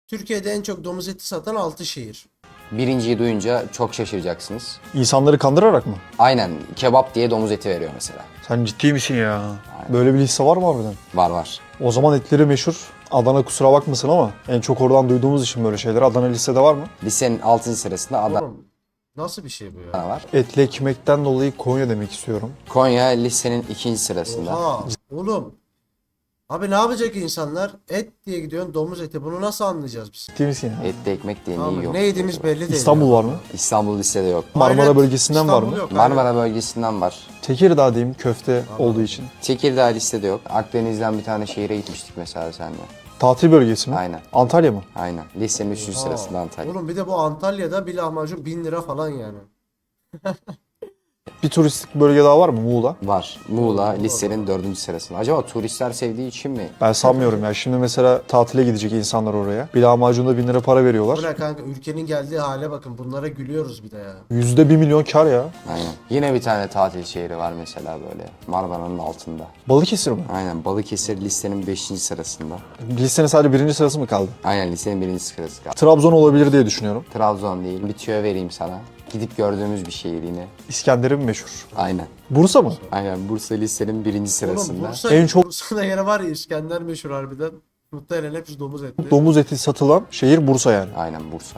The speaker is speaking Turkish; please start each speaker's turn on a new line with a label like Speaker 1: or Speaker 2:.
Speaker 1: Türkiye'de en çok domuz eti satan 6 şehir.
Speaker 2: Birinciyi duyunca çok şaşıracaksınız.
Speaker 3: İnsanları kandırarak mı?
Speaker 2: Aynen kebap diye domuz eti veriyor mesela.
Speaker 3: Sen ciddi misin ya? Böyle bir liste var mı harbiden?
Speaker 2: Var var.
Speaker 3: O zaman etleri meşhur. Adana kusura bakmasın ama en çok oradan duyduğumuz için böyle şeyler. Adana listede var mı?
Speaker 2: Listenin 6. sırasında Adana
Speaker 1: Oğlum nasıl bir şey bu ya?
Speaker 2: var.
Speaker 3: Etli ekmekten dolayı Konya demek istiyorum.
Speaker 2: Konya listenin 2. sırasında.
Speaker 1: Oha oğlum. Abi ne yapacak insanlar? Et diye gidiyorsun domuz eti. Bunu nasıl anlayacağız biz?
Speaker 3: Ciddi misin ya?
Speaker 2: Etli ekmek diye
Speaker 1: Tamam,
Speaker 2: neyi yok.
Speaker 1: ne yediğimiz belli değil.
Speaker 3: İstanbul
Speaker 1: ya.
Speaker 3: var mı?
Speaker 2: İstanbul listede yok.
Speaker 3: Marmara
Speaker 1: Hayret,
Speaker 3: bölgesinden var mı?
Speaker 1: İstanbul yok,
Speaker 2: Marmara bölgesinden var.
Speaker 3: Tekirdağ diyeyim köfte olduğu için.
Speaker 2: Tekirdağ listede yok. Akdeniz'den bir tane şehire gitmiştik mesela seninle.
Speaker 3: Tatil bölgesi mi?
Speaker 2: Aynen.
Speaker 3: Antalya mı?
Speaker 2: Aynen. Listenin 3.
Speaker 1: Aa,
Speaker 2: sırasında Antalya.
Speaker 1: Oğlum bir de bu Antalya'da bir lahmacun 1000 lira falan yani.
Speaker 3: Bir turistik bölge daha var mı Muğla?
Speaker 2: Var. Muğla listenin 4. sırasında. Acaba turistler sevdiği için mi?
Speaker 3: Ben sanmıyorum ya. Şimdi mesela tatile gidecek insanlar oraya. Bir lahmacunda 1000 lira para
Speaker 1: Bu
Speaker 3: veriyorlar.
Speaker 1: ne kanka, ülkenin geldiği hale bakın, bunlara gülüyoruz bir de ya.
Speaker 3: %1 milyon kar ya.
Speaker 2: Aynen. Yine bir tane tatil şehri var mesela böyle. Marmara'nın altında.
Speaker 3: Balıkesir mi?
Speaker 2: Aynen. Balıkesir listenin 5. sırasında.
Speaker 3: Listenin sadece birinci sırası mı kaldı?
Speaker 2: Aynen listenin 1. sırası kaldı.
Speaker 3: Trabzon olabilir diye düşünüyorum.
Speaker 2: Trabzon değil. Bir tüyo vereyim sana. Gidip gördüğümüz bir şehir yine.
Speaker 3: İskender'in meşhur.
Speaker 2: Aynen.
Speaker 3: Bursa mı?
Speaker 2: Aynen. Bursa listenin 1.
Speaker 1: Oğlum
Speaker 2: sırasında.
Speaker 1: Bursa,
Speaker 3: En çok-
Speaker 1: Bursa'da yeri var ya, İskender meşhur harbiden. Muhtemelen hepsi domuz etli.
Speaker 3: Domuz eti satılan şehir Bursa yani.
Speaker 2: Aynen Bursa.